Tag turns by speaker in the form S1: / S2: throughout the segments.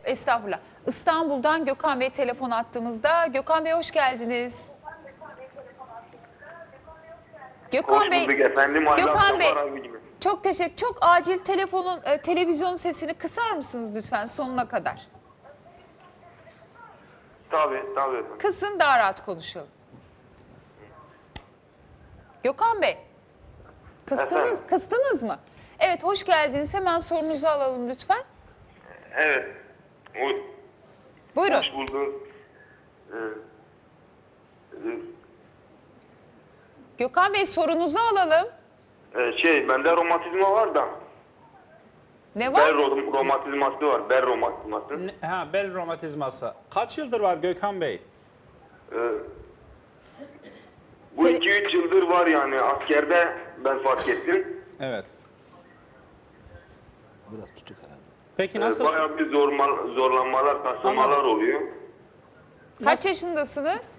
S1: Estağfurullah. İstanbul'dan Gökhan Bey telefon attığımızda. Gökhan Bey hoş geldiniz. Gökhan
S2: Hoş
S1: Bey,
S2: bulduk efendim.
S1: Gökhan Bey,
S2: Abicim.
S1: çok teşekkür. Çok acil televizyonun sesini kısar mısınız lütfen sonuna kadar?
S2: Tabii efendim.
S1: Kısın, daha rahat konuşalım. Gökhan Bey,
S2: Efendim?
S1: kıstınız mı? Evet, hoş geldiniz. Hemen sorunuzu alalım lütfen.
S2: Evet.
S1: Buyurun.
S2: Hoş bulduk.
S1: Gökhan Bey, sorunuzu alalım.
S2: Bende romatizma var da.
S1: Ne
S2: Bel
S1: var?
S2: romatizması var. Bel romatizması.
S3: Bel romatizması. Kaç yıldır var Gökhan Bey?
S2: Bu 2-3 yıldır var yani. Askerde ben fark ettim.
S3: Evet.
S4: Biraz tutuk herhalde.
S3: Peki nasıl?
S2: Bayağı bir zorlanmalar, kasılmalar
S3: Anladım.
S2: oluyor.
S1: Kaç yaşındasınız?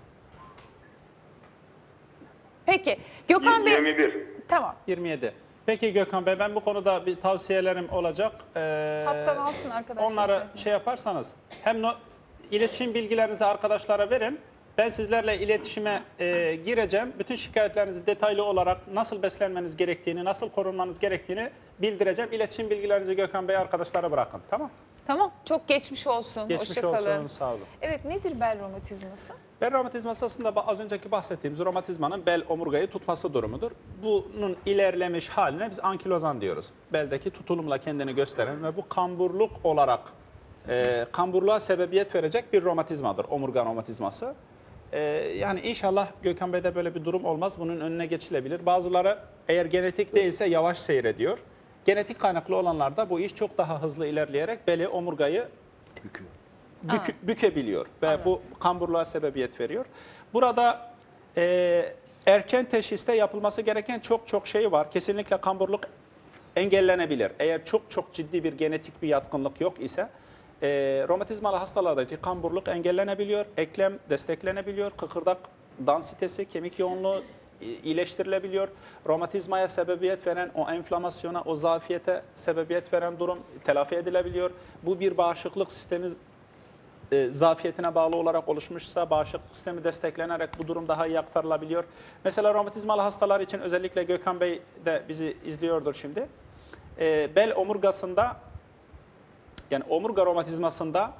S1: Peki, Gökhan Bey...
S2: 21.
S1: Tamam.
S3: 27. Peki Gökhan Bey, ben bu konuda bir tavsiyelerim olacak.
S1: Hattan alsın arkadaşlar.
S3: Onları
S1: istersen.
S3: şey yaparsanız hem iletişim bilgilerinizi arkadaşlara verin. Ben sizlerle iletişime gireceğim. Bütün şikayetlerinizi detaylı olarak nasıl beslenmeniz gerektiğini, nasıl korunmanız gerektiğini bildireceğim. İletişim bilgilerinizi Gökhan Bey arkadaşlara bırakın. Tamam?
S1: Tamam, çok geçmiş olsun.
S3: Geçmiş
S1: Hoşça kalın.
S3: olsun. Sağ olun.
S1: Evet, nedir bel romatizması?
S3: Bel romatizması aslında az önceki bahsettiğimiz romatizmanın bel omurgayı tutması durumudur. Bunun ilerlemiş haline biz ankilozan diyoruz. Beldeki tutulumla kendini gösteren ve bu kamburluk olarak kamburluğa sebebiyet verecek bir romatizmadır. Omurga romatizması. Yani inşallah Gökhan Bey'de böyle bir durum olmaz. Bunun önüne geçilebilir. Bazıları eğer genetik değilse yavaş seyrediyor. Genetik kaynaklı olanlarda bu iş çok daha hızlı ilerleyerek beli, omurgayı
S4: Büküyor.
S3: bükebiliyor ve bu kamburluğa sebebiyet veriyor. Burada erken teşhiste yapılması gereken çok şey var. Kesinlikle kamburluk engellenebilir. Eğer çok ciddi bir genetik bir yatkınlık yok ise romatizmalı hastalardaki kamburluk engellenebiliyor, eklem desteklenebiliyor, kıkırdak dansitesi, kemik yoğunluğu iyileştirilebiliyor. Romatizmaya sebebiyet veren o enflamasyona, o zafiyete sebebiyet veren durum telafi edilebiliyor. Bu bir bağışıklık sistemi zafiyetine bağlı olarak oluşmuşsa bağışıklık sistemi desteklenerek bu durum daha iyi aktarılabiliyor. Mesela romatizmalı hastalar için özellikle Gökhan Bey de bizi izliyordur şimdi. Bel omurgasında yani omurga romatizmasında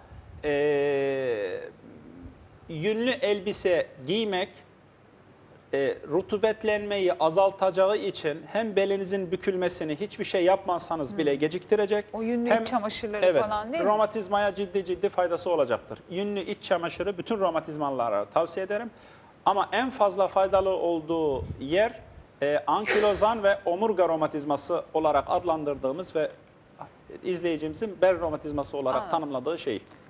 S3: yünlü elbise giymek rutubetlenmeyi azaltacağı için hem belinizin bükülmesini hiçbir şey yapmasanız bile geciktirecek.
S1: O yünlü
S3: hem
S1: iç çamaşırları falan değil mi?
S3: romatizmaya ciddi faydası olacaktır. Yünlü iç çamaşırı bütün romatizmalılara tavsiye ederim. Ama en fazla faydalı olduğu yer ankilozan ve omurga romatizması olarak adlandırdığımız ve izleyicimizin bel romatizması olarak tanımladığı şey.